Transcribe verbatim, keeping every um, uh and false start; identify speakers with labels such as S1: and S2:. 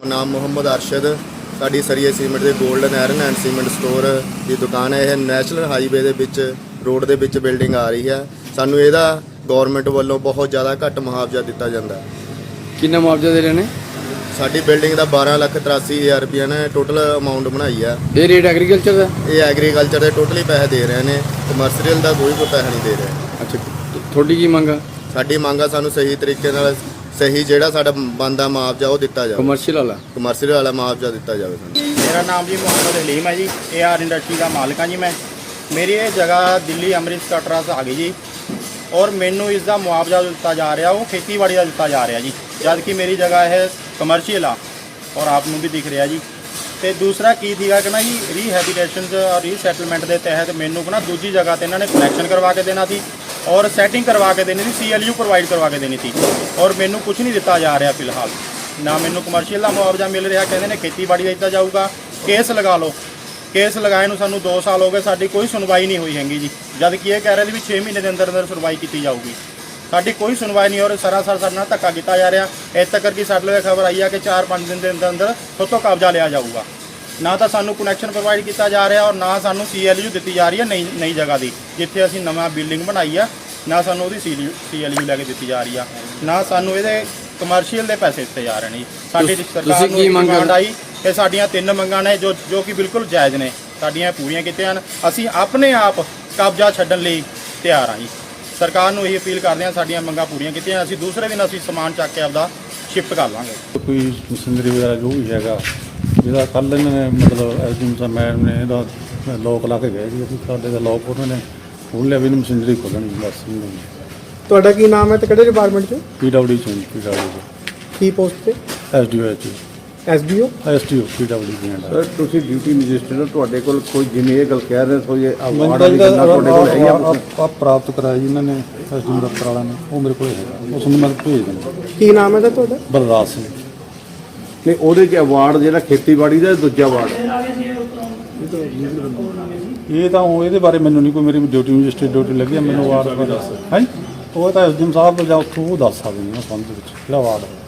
S1: ਨਾਮ ਮੁਹੰਮਦ ਅਰਸ਼ਦ। ਸਾਡੀ ਸਰੀਏ ਸੀਮੈਂਟ ਦੇ golden iron and cement store ਦੀ ਦੁਕਾਨ ਹੈ। ਇਹ ਨੈਸ਼ਨਲ ਹਾਈਵੇ ਦੇ ਵਿੱਚ ਰੋਡ ਦੇ ਵਿੱਚ ਬਿਲਡਿੰਗ ਆ ਰਹੀ ਹੈ। ਸਾਨੂੰ ਇਹਦਾ ਗਵਰਨਮੈਂਟ ਵੱਲੋਂ ਬਹੁਤ ਜ਼ਿਆਦਾ ਘੱਟ ਮੁਆਵਜ਼ਾ ਦਿੱਤਾ ਜਾਂਦਾ।
S2: ਕਿੰਨਾ ਮੁਆਵਜ਼ਾ ਦੇ ਰਹੇ ਨੇ?
S1: ਸਾਡੀ ਬਿਲਡਿੰਗ ਦਾ ਬਾਰਾਂ ਲੱਖ ਤਰਾਸੀ ਹਜ਼ਾਰ ਰੁਪਏ ਨੇ ਟੋਟਲ ਅਮਾਊਂਟ ਬਣਾਈ ਆ।
S2: ਇਹ ਰੇਟ ਐਗਰੀਕਲਚਰ ਦਾ?
S1: ਇਹ ਐਗਰੀਕਲਚਰ ਦੇ ਟੋਟਲੀ ਪੈਸੇ ਦੇ ਰਹੇ ਨੇ, ਕਮਰਸ਼ੀਅਲ ਦਾ ਕੋਈ ਕੋਈ ਪੈਸਾ ਨਹੀਂ ਦੇ ਰਹੇ।
S2: ਅੱਛਾ, ਤੁਹਾਡੀ ਕੀ ਮੰਗ ਆ?
S1: ਸਾਡੀ ਮੰਗ ਆ ਸਾਨੂੰ ਸਹੀ ਤਰੀਕੇ ਨਾਲ ਸਹੀ ਜਿਹੜਾ ਸਾਡਾ ਬਣਦਾ ਮੁਆਵਜ਼ਾ ਉਹ ਦਿੱਤਾ ਜਾਵੇ।
S2: ਕਮਰਸ਼ੀਅਲ ਵਾਲਾ
S1: ਕਮਰਸ਼ੀਅਲ ਵਾਲਾ ਮੁਆਵਜ਼ਾ ਦਿੱਤਾ ਜਾਵੇ ਸਾਨੂੰ।
S3: ਮੇਰਾ ਨਾਮ ਜੀ ਮੁਹੰਮਦ ਹਲੀਮ ਹੈ ਜੀ। ਏ ਆਰ ਇੰਡਸਟਰੀ ਦਾ ਮਾਲਕ ਹਾਂ ਜੀ ਮੈਂ। ਮੇਰੀ ਇਹ ਜਗ੍ਹਾ ਦਿੱਲੀ ਅੰਮ੍ਰਿਤ ਕਟਰਾ ਤੋਂ ਆ ਗਈ ਜੀ, ਔਰ ਮੈਨੂੰ ਇਸ ਦਾ ਮੁਆਵਜ਼ਾ ਦਿੱਤਾ ਜਾ ਰਿਹਾ ਉਹ ਖੇਤੀਬਾੜੀ ਦਾ ਦਿੱਤਾ ਜਾ ਰਿਹਾ ਜੀ, ਜਦ ਕਿ ਮੇਰੀ ਜਗ੍ਹਾ ਇਹ ਕਮਰਸ਼ੀਅਲ ਆ ਔਰ ਆਪ ਨੂੰ ਵੀ ਦਿਖ ਰਿਹਾ ਜੀ। ਤੇ ਦੂਸਰਾ ਕੀ ਸੀਗਾ ਕਿ ਨਾ ਜੀ ਰੀਹੈਬਿਟੇਸ਼ਨ ਔਰ ਰੀਸੈਟਲਮੈਂਟ ਦੇ ਤਹਿਤ ਮੈਨੂੰ ਨਾ ਦੂਜੀ ਜਗ੍ਹਾ ਤੇ ਇਹਨਾਂ ਨੇ ਕਨੈਕਸ਼ਨ ਕਰਵਾ ਕੇ ਦੇਣਾ ਸੀ ਔਰ ਸੈਟਿੰਗ ਕਰਵਾ ਕੇ ਦੇਣੀ ਸੀ, ਸੀ ਐਲ ਯੂ ਪ੍ਰੋਵਾਈਡ ਕਰਵਾ ਕੇ ਦੇਣੀ ਸੀ, ਔਰ ਮੈਨੂੰ ਕੁਝ ਨਹੀਂ ਦਿੱਤਾ ਜਾ ਰਿਹਾ ਫਿਲਹਾਲ। ਨਾ ਮੈਨੂੰ ਕਮਰਸ਼ੀਅਲ ਦਾ ਮੁਆਵਜ਼ਾ ਮਿਲ ਰਿਹਾ, ਕਹਿੰਦੇ ਨੇ ਖੇਤੀਬਾੜੀ ਦਾ ਦਿੱਤਾ ਜਾਊਗਾ। ਕੇਸ ਲਗਾ ਲਓ, ਕੇਸ ਲਗਾਏ ਨੂੰ ਸਾਨੂੰ ਦੋ ਸਾਲ ਹੋ ਗਏ, ਸਾਡੀ ਕੋਈ ਸੁਣਵਾਈ ਨਹੀਂ ਹੋਈ ਹੈਗੀ ਜੀ, ਜਦ ਕਿ ਇਹ ਕਹਿ ਰਹੇ ਸੀ ਵੀ ਛੇ ਮਹੀਨੇ ਦੇ ਅੰਦਰ ਅੰਦਰ ਸੁਣਵਾਈ ਕੀਤੀ ਜਾਊਗੀ। ਸਾਡੀ ਕੋਈ ਸੁਣਵਾਈ ਨਹੀਂ, ਔਰ ਸਰਾਸਰ ਸਾਡੇ ਨਾਲ ਧੱਕਾ ਕੀਤਾ ਜਾ ਰਿਹਾ। ਇੱਥੇ ਤੱਕ ਕਿ ਸਾਡੇ ਲਈ ਖਬਰ ਆਈ ਆ ਕਿ ਚਾਰ ਪੰਜ ਦਿਨ ਦੇ ਅੰਦਰ ਅੰਦਰ ਸੋਤੋਂ ਕਬਜ਼ਾ ਲਿਆ ਜਾਊਗਾ। ਨਾ ਤਾਂ ਸਾਨੂੰ ਕਨੈਕਸ਼ਨ ਪ੍ਰੋਵਾਈਡ ਕੀਤਾ ਜਾ ਰਿਹਾ, ਔਰ ਨਾ ਸਾਨੂੰ ਸੀ ਐਲ ਯੂ ਦਿੱਤੀ ਜਾ ਰਹੀ ਹੈ ਨਈ ਨਈ ਜਗ੍ਹਾ ਦੀ, ਜਿੱਥੇ ਅਸੀਂ ਨਵਾਂ ਬਿਲਡਿੰਗ ਬਣਾਈ ਆ, ਨਾ ਸਾਨੂੰ ਉਹਦੀ ਸੀ ਸੀ ਐਲ ਯੂ ਲੈ ਕੇ ਦਿੱਤੀ ਜਾ ਰਹੀ ਆ, ਨਾ ਸਾਨੂੰ ਇਹਦੇ ਕਮਰਸ਼ੀਅਲ ਦੇ ਪੈਸੇ ਦਿੱਤੇ ਜਾ ਰਹੇ ਨੇ। ਸਾਡੀ ਸਰਕਾਰ ਨੂੰ ਮੰਗ ਆਈ ਕਿ ਸਾਡੀਆਂ ਤਿੰਨ ਮੰਗਾਂ ਨੇ ਜੋ ਜੋ ਕਿ ਬਿਲਕੁਲ ਜਾਇਜ਼ ਨੇ, ਸਾਡੀਆਂ ਪੂਰੀਆਂ ਕੀਤੀਆਂ ਹਨ। ਅਸੀਂ ਆਪਣੇ ਆਪ ਕਬਜ਼ਾ ਛੱਡਣ ਲਈ ਤਿਆਰ ਹਾਂ ਜੀ। ਸਰਕਾਰ ਨੂੰ ਇਹ ਅਪੀਲ ਕਰਦੇ ਹਾਂ ਸਾਡੀਆਂ ਮੰਗਾਂ ਪੂਰੀਆਂ ਕੀਤੀਆਂ, ਅਸੀਂ ਦੂਸਰੇ ਦਿਨ ਅਸੀਂ ਸਮਾਨ ਚੱਕ ਕੇ ਆਪਦਾ ਸ਼ਿਫਟ ਕਰ ਲਾਂਗੇ।
S4: ਕੋਈ ਮਸ਼ੀਨਰੀ ਵਗੈਰਾ ਜੋ ਵੀ ਹੈਗਾ, ਜਿਹਦਾ ਕੱਲ੍ਹ ਇਹਨਾਂ ਨੇ ਮਤਲਬ ਐਸਡੀਐਮ ਸਾਹਿਬ ਮੈਡਮ ਨੇ ਇਹਦਾ ਲੋਕ ਲਾ ਕੇ ਗਏ ਸੀ, ਅਸੀਂ ਸਾਡੇ ਦਾ ਲੋਕ ਉਹਨਾਂ ਨੇ ਖੋਲ੍ਹ ਲਿਆ ਵੀ ਇਹਨੂੰ ਮਸ਼ੀਨਰੀ ਖੋਲ੍ਹਣੀ ਬਸ।
S5: ਤੁਹਾਡਾ ਕੀ ਨਾਮ ਹੈ ਤੇ ਕਿਹੜੇ ਡਿਪਾਰਟਮੈਂਟ 'ਚ?
S4: ਪੀ ਡਬਲਿਊ ਚ ਪੀ ਡਬਲਿਊ ਚ
S5: ਕੀ ਪੋਸਟ ਤੇ?
S4: S D O H
S5: S D O
S4: S T O P W ਦੀਆਂ।
S6: ਸਰ ਤੁਸੀਂ ਡਿਊਟੀ ਮੈਜਿਸਟਰੇਟ ਹੋ, ਤੁਹਾਡੇ ਕੋਲ ਕੋਈ ਜਿਵੇਂ ਇਹ ਗੱਲ ਕਹਿ ਰਹੇ ਸੋ ਇਹ
S4: ਮੈਨੂੰ
S6: ਅਵਾਰਡ
S4: ਤਾਂ
S6: ਵਾਲੀ ਗੱਲਾਂ ਤੁਹਾਡੇ ਕੋਲ ਹੈਗੀਆਂ?
S4: ਆ ਪ੍ਰਾਪਤ ਕਰਾਇਆ ਜੀ ਇਹਨਾਂ ਨੇ ਐਸਡੀਐਮ ਦਫ਼ਤਰ ਵਾਲਿਆਂ ਨੇ, ਉਹ ਮੇਰੇ ਕੋਲ ਹੈਗਾ, ਉਸ ਨੂੰ ਮੈਂ ਭੇਜ ਦਿੰਦਾ।
S5: ਕੀ ਨਾਮ ਹੈ ਸਰ ਤੁਹਾਡਾ?
S4: ਬਲਰਾਜ ਸਿੰਘ।
S6: ਨਹੀਂ ਉਹਦੇ 'ਚ ਅਵਾਰਡ ਜਿਹੜਾ ਖੇਤੀਬਾੜੀ ਦਾ ਦੂਜਾ ਅਵਾਰਡ
S4: ਇਹ ਤਾਂ ਉਹ ਇਹਦੇ ਬਾਰੇ ਮੈਨੂੰ ਨਹੀਂ ਕੋਈ, ਮੇਰੀ ਡਿਊਟੀ ਮੈਜਿਸਟਰੇਟ ਡਿਊਟੀ ਲੱਗੀ ਆ, ਮੈਨੂੰ ਅਵਾਰਡ ਬਾਰੇ ਦੱਸ ਹੈ। ਉਹ ਤਾਂ ਐਸਡੀਐਮ ਸਾਹਿਬ ਜਾਂ ਉੱਥੋਂ ਉਹ ਦੱਸ ਸਕਦੇ ਨੇ ਸੰਬੰਧ ਵਿੱਚ ਜਿਹੜਾ ਅਵਾਰਡ